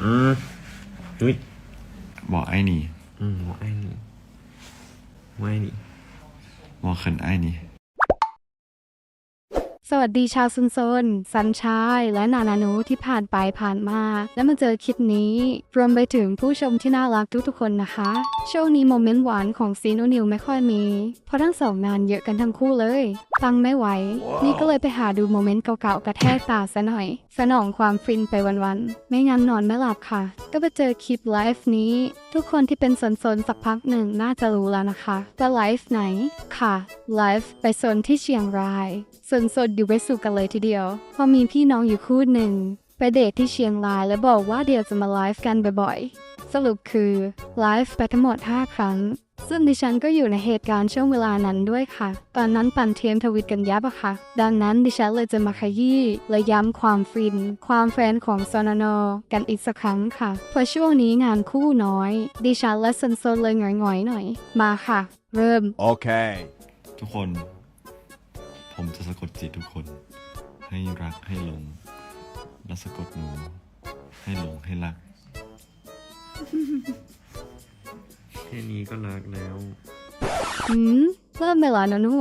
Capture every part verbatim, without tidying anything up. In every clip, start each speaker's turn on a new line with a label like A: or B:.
A: อืมอุ้ย
B: บอกไอ้นี่
A: อืมบอกไอ้นี่บอกไอ้นี่
B: บอกเขินไอ้นี่
C: สวัสดีชาวซุนโซนสันชายและนานานูที่ผ่านไปผ่านมา และมาเจอคลิปนี้ รวมไปถึงผู้ชมที่น่ารักทุกๆคนนะคะ ช่วงนี้โมเมนต์หวานของซีนูนิวไม่ค่อยมี เพราะทั้งสองงานเยอะกันทั้งคู่เลยฟังไม่ไหว wow. นี่ก็เลยไปหาดูโมเมนต์เก่าๆกระแทกตาซะหน่อย สนองความฟินไปวันๆไม่งั้นนอนไม่หลับค่ะ ก็ไปเจอคลิปไลฟ์นี้ ทุกคนที่เป็นสนๆสักพักหนึ่งน่าจะรู้แล้วนะคะว่าไลฟ์ไหนค่ะไลฟ์ไปโซนที่เชียงรายสนสดอยู่ไปสู่กันเลยทีเดียวพอมีพี่น้องอยู่คู่หนึ่งไปเดทที่เชียงรายแล้วบอกว่าเดี๋ยวจะมาไลฟ์กันบ่อยๆสรุปคือไลฟ์ไปทั้งหมดห้าครั้งซึ่งดิฉันก็อยู่ในเหตุการณ์ช่วงเวลานั้นด้วยค่ะตอนนั้นปั่นเทียมทวิตกันยับอะค่ะดังนั้นดิฉันเลยจะมาขยี้และย้ำความฟินความแฟนของซอนโนกันอีกสักครั้งค่ะเพราะช่วงนี้งานคู่น้อยดิฉันและซันโซเลยหงอยๆหน่อยมาค่ะเริ่ม
B: โอเคทุกคนผมจะสะกดจิตทุกคนให้รักให้หลงและสะกดหนูให้หลงให้รัก
A: แค่นี้ก็รักแล้ว
C: หืมเริ่มไปแล้วนะนู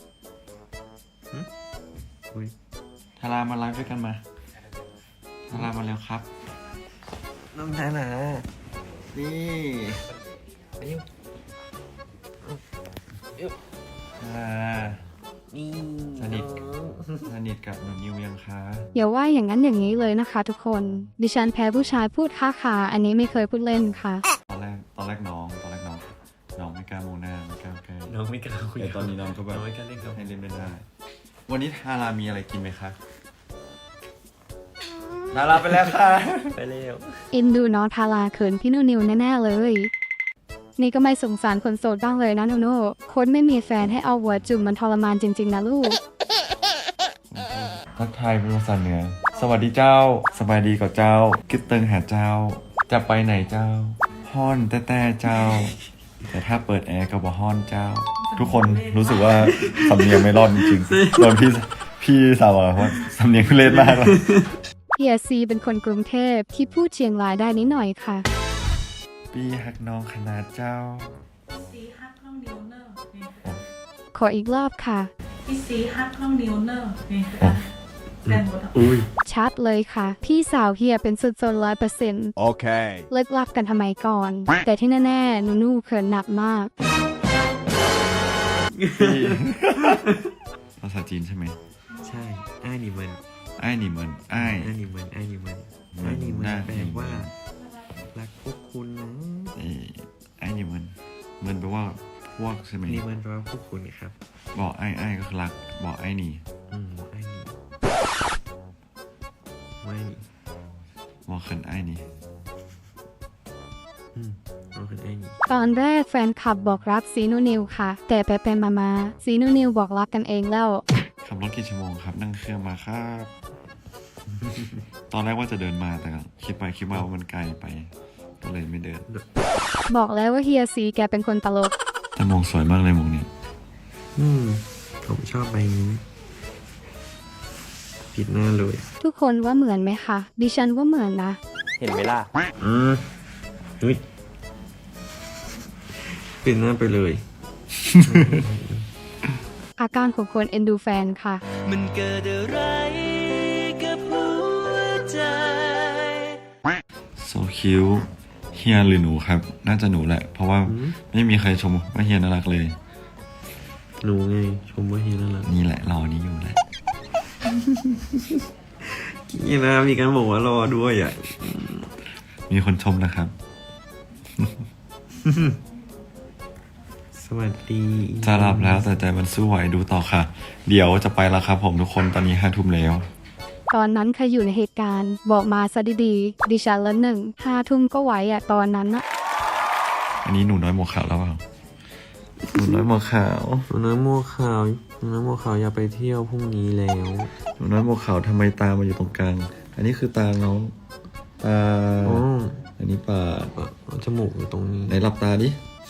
A: อุ้ย
B: ทารามาไลฟ์ด้วยกันมาทารามาแล้วครับ
A: น้องทารา
B: นี่
A: ยิ้มยิ้ม
B: ทารา
A: นี่
B: สนิทสนิทกับหนูนิวยังคะ
C: อย่าว่าอย่างนั้นอย่างนี้เลยนะคะทุกคนดิฉันแพ้ผู้ชายพูดค้าขาอันนี้ไม่เคยพูดเล่นค่ะ
B: ตอนแรกตอนแรกน้องตอนแรกน้องน้องไม่กล้าโมหน้าไม่กล้าแก้
A: น้องไม่กล้าคุย
B: แต่ตอนนี้น้องก็แบบ
A: ไม่กล้าเล่นกับ
B: ให้เล่นไม่ได้วันนี้ทารามีอะไรกินไหมคะทาราไปแล้วค่ะ
A: ไปเร็ว
C: เอ็นดูน้องทาราเขินพี่นูนิวแน่ๆเลยนี่ก็ไม่สงสารคนโสดบ้างเลยนะโนโน่คนไม่มีแฟนให้เอาหัวจุ่มมันทรมานจริงๆนะลูก
B: ทักทายเป็นภาษาเหนือสวัสดีเจ้าสบายดีกับเจ้าคิดเติงหาเจ้าจะไปไหนเจ้าฮ้อนแต่แต่เจ้าแต่ถ้าเปิดแอร์ก็บ่ฮ้อนเจ้าทุกคนรู้สึกว่าสำเนียงไม่รอดจริงๆโดนพี่พี่สาวบอกว่าสำเนียงทุเรศมากเลย
C: พี่เอซีเป็นคนกรุงเทพที่พูดเชียงรายได้นิดหน่อยค่ะ
B: ปีฮักน้องขนาดเจ้า
D: ซีฮักน้องนิวเนอร์
C: ขออีกรอบค่ะ
D: พี่ซีฮักน้องนิวเนอร์นี่ค่ะแฟนหมด
B: อุ้ย
C: ชัดเลยค่ะพี่สาวเฮียเป็นสุดโซนร้อยเปอร์เซ็นต์
B: โอเค
C: เลิกลักกันทำไมก่อนแต่ที่แน่ๆนูนูเขินหนักมาก
B: ภาษาจีนใช่ไหม
A: ใช่ไอ้นี่มัน
B: ไอ้นี่มันไอ้
A: ไอ้นี่มันไอ้นี่มันไอ้นี่มันแปลว่ารักพวกคุณนะ
B: ไอ้นี่มันมันแปลว่าพวกใช่ไหม
A: นี่มันแปลว่าพวกคุณครับ
B: บอกไอ้ไอ้ก็คือรักบอกไอ้นี่
A: อืมบอกไอ้นี่ไม่
B: บอกเขินไอ้นี่
A: อืมบอกเขินไอ้นี่
C: ตอนแรกแฟนคลับบอกรักซีนูนิวค่ะแต่ไปไปมามาซีนูนิวบอกรักกันเองแล้ว
B: ขับรถกี่ชั่วโมงครับนั่งเครื่องมาครับตอนแรกว่าจะเดินมาแต่คิดไปคิดมาว่ามันไกลไปก็เลยไม่เดิน
C: บอกแล้วว่าเฮียซีแกเป็นคนตลก
B: แต่มองสวยมากเลยมองนี้
A: อืมผมชอบใบนี้ปิดหน้าเลย
C: ทุกคนว่าเหมือนไหมคะดิฉันว่าเหมือนนะ
A: เห็นไหมล่ะอืมอุ้ยปิดหน้าไปเลย
C: อาการของคนเอ็นดูแฟนค่ะ
A: มันเกิดอะไรกับหัวใจ
B: โซคิวเฮียหรือหนูครับน่าจะหนูแหละเพราะว่าไม่มีใครชมว่าเฮียน่ารักเลย
A: หนูไงชมว่าเฮียน่ารัก
B: นี่แหละรอนี้อยู่แหละ
A: นี่นะมีการบอกว่ารอด้วยอ่ะ
B: มีคนชมนะครับ
A: สวัสดี
B: จะหลับแล้วแต่ใจมันสู้ไหวดูต่อค่ะเดี๋ยวจะไปแล้วครับผมทุกคนตอนนี้ห้าทุ่มแล้ว
C: ตอนนั้นใครอยู่ในเหตุการณ์บอกมาซะดีๆดิฉันละหนึ่งห้าทุ่มก็ไหวอ่ะตอนนั้นนะ
B: อันนี้หนูน้อยหมวกขาวแล้วเปล่าหนูน้อยหมวกขาว
A: หนูน้อยหมวกขาวหนูน้อยหมวกขาวอยากไปเที่ยวพรุ่งนี้แล้ว
B: หนูน้อยหมวกขาวทำไมตามาอยู่ตรงกลางอันนี้คือตาน้องตาอันนี้ปาก
A: จมูกอยู่ตรงนี้
B: ไหนหลับตาดิ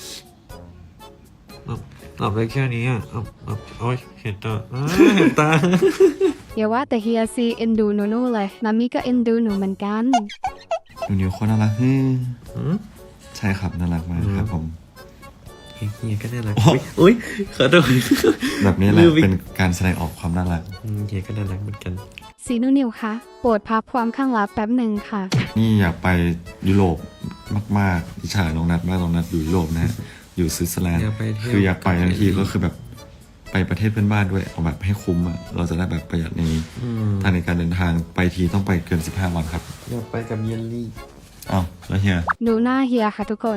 A: หลับได้แค่นี้อ่ะหลับหลับโอ๊ยเห็นตาเห็นตา
C: อย่าว่าแต่เฮียซีเอ็นดูหนูๆเลยนามิก็เอ็นดูหนูเหมือนกัน
B: หนูนิวโคตรน่ารักฮึ่ม
A: อืม
B: ใช่ครับน่ารักมากครับผม
A: เฮียก็น่ารักอุ๊ยอุ้ยขอโทษ
B: แบบนี้แหละ
A: ลืมอีก
B: เป็นการแสดงออกความน่ารัก
A: อืมเฮียก็น่ารักเหมือนกัน
C: ซีนูนิวคะโปรดพักความข้างลับแป๊บหนึ่งค่ะ
B: นี่อยากไปยุโรปมากๆอิจฉาน้องนัดมากน้องนัดอยู่ยุโรปนะฮะอยู่สวิตเซอร์แลนด์
A: อยากไปเที่ยว
B: คืออยากไปทันทีก็คือแบบไปประเทศเพื่อนบ้านด้วยเอาแบบให้คุ้มอ่ะเราจะได้แบบประหยัดใน
A: อืม
B: ทางในการเดินทางไปทีต้องไปเกินสิบห้าวันครับ
A: อยากไปกับเยลลี่
B: อ้าวแล้วเฮีย
C: ดูหน้าเฮียค่ะทุกคน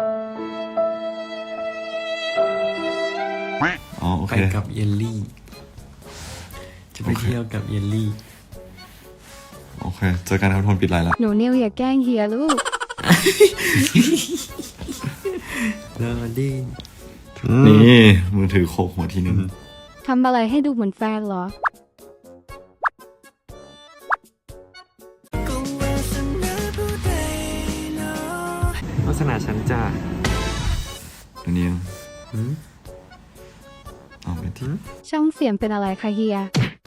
B: อ๋อโอ
A: ไป
B: เค
A: กับเยลลี่ จะไป
B: โอเค
A: เที่ยวกับเยลลี่
B: โอเคเจอกันครับทุกคนปิดไลน์ละ
C: หนูนิวอย่าแกล้งเฮียลูก
A: รอดี
B: นี่มือถือโคกหัวทีนึง
C: ทำอะไรให้ดูเหมือนแฟนเหรอ
A: วาสนาฉันจ้า
B: ตัวนี้
A: อืม
B: เอาไปที่
C: ช่องเสียงเป็นอะไรคะเฮีย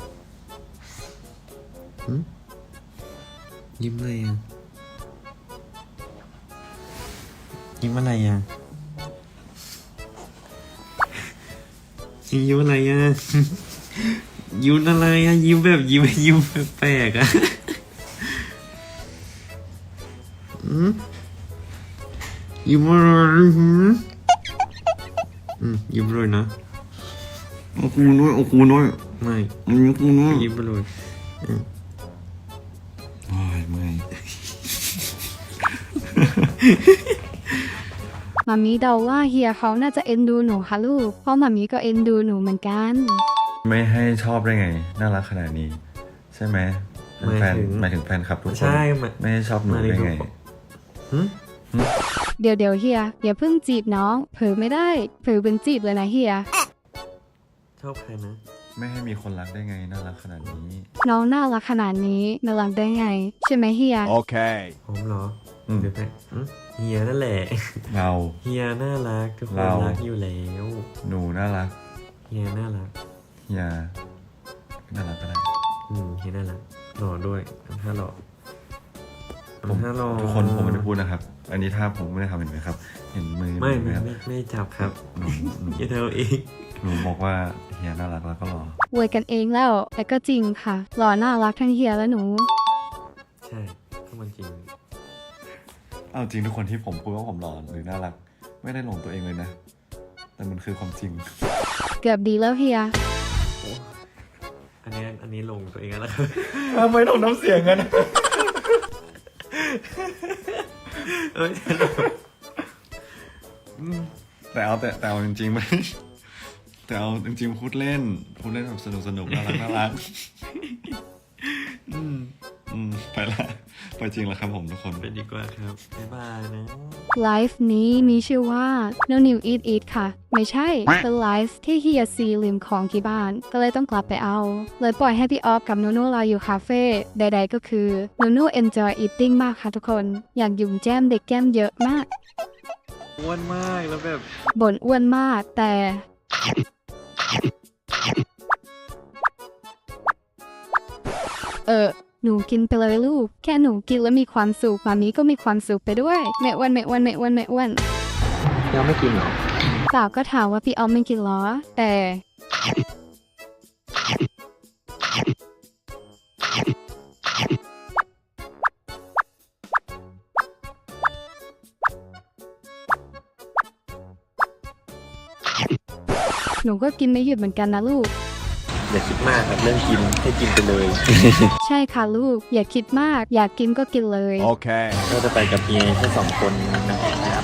A: ยิ้มอะไรอ่ะยิ้มอะไรอ่ะยิ้มอะไรอ่ะ ยิ้มอะไรอ่ะยิ้มแบบยิ้มยิ้มแปลกๆอ่ะอืมยิ้มอะไรหืมอืมยิ้มเลยนะ
B: โอ้กูน้อยโอ้กูน้อย
A: ไม่
B: อันนี้กูน้อย
A: ยิ้มไปเลย
B: โอ้ยไม่
C: มามีเดาว่าเฮียเขาน่าจะเอ็นดูหนูค่ะลูก เพราะมามีก็เอ็นดูหนูเหมือนกัน
B: ไม่ให้ชอบได้ไง น่ารักขนาดนี้ ใช่ไหมเป็นแฟนหมายถึงแฟนคลับทุกคน
A: ใช่มา
B: ไม่ให้ชอบหนูได้ไง
A: หืม
C: เดี๋ยวเดี๋ยวเฮียอย่าเพิ่งจีบน้อง เผลอไม่ได้ เผลอเป็นจีบเลยนะเฮีย
A: ชอบใครนะ
B: ไม่ให้มีคนรักได้ไง น่ารักขนาดนี้
C: น้องน่ารักขนาดนี้น่ารักได้ไง ใช่ไหมเฮีย
E: Okay.
A: ผมเหรอ
B: อืม
A: เดี๋ยวแต่อืมเฮียนั่นแหละ
B: เรา
A: เฮียน่ารักทุกคน
B: เรา
A: รักอยู่แล้ว
B: หนูน่ารัก
A: เฮียน่ารัก
B: เฮียน่ารักก็ได้
A: อืมเฮียน่ารักหล่อด้วยทำท่าหล่อ
B: ผม
A: ทำท่าหล่อ
B: ทุกคนผมไม่ได้พูดนะครับ อันนี้ถ้าผมไม่ได้ทำเห็นไหมครับ เห็นมือ
A: ไม่
B: ไหม
A: ไม่
B: ครับ
A: ไม่ไม่จับครับ
B: หนูหนู
A: เฮียเธอเอง
B: หนูบอกว่าเฮียน่ารักแล้วก็รอ
C: อวยกันเองแล้ว แต่ก็จริงค่ะ หล่อน่ารักทั้งเฮียและหนู
A: ใช่ก็มันจริง
B: เอาจริงทุกคนที่ผมพูดว่าผมหล่อหรือน่ารัก ไม่ได้หลงตัวเองเลยนะ แต่มันคือความจริง
C: เกือบดีแล้วเฮีย
A: อันนี้อันนี้ลงตัวเองแล้วนะครับ
B: ทำไมต้องน้ำเสียงกัน
A: เอ้ย
B: แต่เอาแต่แต่เอาจริงๆไม่ แต่เอาจริงๆพูดเล่น พูดเล่นแบบสนุกสนุกน่ารักน่ารัก
A: อืม
B: อืมไปละไปจริงแล้วครับผมทุกคน
A: ไปดีกว่าครับบ๊ายบายนะ
C: ไลฟ์นี้มีชื่อว่า No New Eat Eat ค่ะ ไม่ใช่ เป็นไลฟ์ที่เฮียซีลืมของที่บ้าน ก็เลยต้องกลับไปเอา เลยปล่อยให้พี่ออฟกับนูนูรออยู่คาเฟ่ใดๆก็คือนูนู enjoy eating มากค่ะทุกคน อยากหยุ่มแจ้มเด็กแก้มเยอะมาก
A: อ้วนมากแล้วแบบ
C: บ่นอ้วนมากแต่ เออ หนูกินไปเลยลูก แค่หนูกินแล้วมีความสุขมามีก็มีความสุขไปด้วยไม่อ้วนไม่อ้วนไม่อ้วนไม่อ้วน
A: ยังไม่กินเหรอ
C: สาวก็ถามว่าพี่ออมไม่กินเหรอ แต่ หนูก็กินไม่หยุดเหมือนกันนะลูก
A: อย่าคิดมากครับเรื่องกินให้กินไปเลย
C: ใช่ค่ะลูก อย่าคิดมาก อยากกินก็กินเลย
E: Okay.
A: ก็จะไปกับเฮียแค่สองคนนะครับ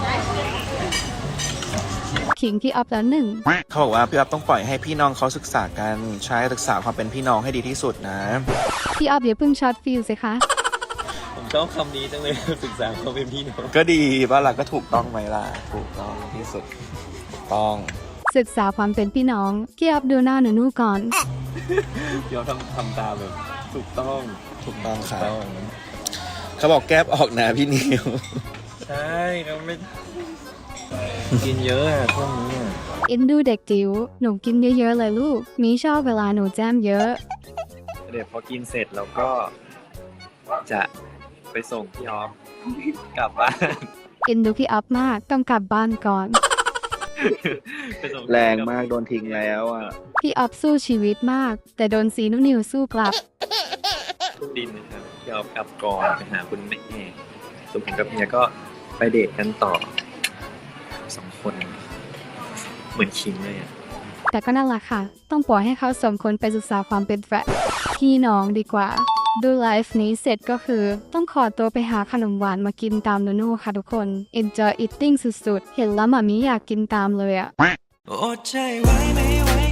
C: ขิงพี่ออฟแล้วหนึ่ง
F: เขาบอกว่าพี่อ๊อฟต้องปล่อยให้พี่น้องเขาศึกษากันใช้ศึกษาความเป็นพี่น้องให้ดีที่สุดนะ
C: พี่ออฟอย่าเพิ่งช็อตฟิลสิคะ
A: ผมชอบคำนี้จังเลย ศึกษาเขาเป็นพี่น้อง
F: ก็ดีบ้านหลักก็ถูกต้องไหมล่ะถูกต้องที่สุดถูกต้อง
C: ศึกษาความเป็นพี่น้องพี่ออฟดูหน้าหนูนูก่อน
A: ยอมทำทำตามแบบถูกต้อง
F: ถูกต้องครับ
A: ต้อง
F: เขาบอกแก้บออกนะพี่นิว
A: ใช่เราไม่กินเยอะอะช่วงนี้อะ
C: เอ็นดูเด็กจิ๋ว หนูกินเยอะๆเลยลูก มีชอบเวลาหนูแจมเยอะ
A: เดี๋ยวพอกินเสร็จเราก็จะ
E: ไปส่งพี่ออฟกลับบ้าน
C: เอ็นดูพี่อัพมากต้องกลับบ้านก่อน
E: ไปส่ง
F: แรงมากโดนทิ้งแล้วอ่ะ
C: พี่อัพสู้ชีวิตมาก แต่โดนซีนุนิวสู้กลับ
E: ดินนะครับพี่ออฟกลับก่อนไปหาคุณแม่ส่วนผมกับเมียก็ไปเดทกันต่อสองคนเหมือนคิงเลยอ่ะ
C: แต่ก็นั่นแหละค่ะ ต้องปล่อยให้เขาสมคนไปศึกษาความเป็นแฟนพี่น้องดีกว่า ดูไลฟ์นี้เสร็จก็คือ ต้องขอตัวไปหาขนมหวานมากินตามโนโน่ค่ะทุกคน Enjoy eating สุดๆ เห็นแล้วหมามิอยากกินตามเลยอะ
G: อดใจไว้ไม่ไหว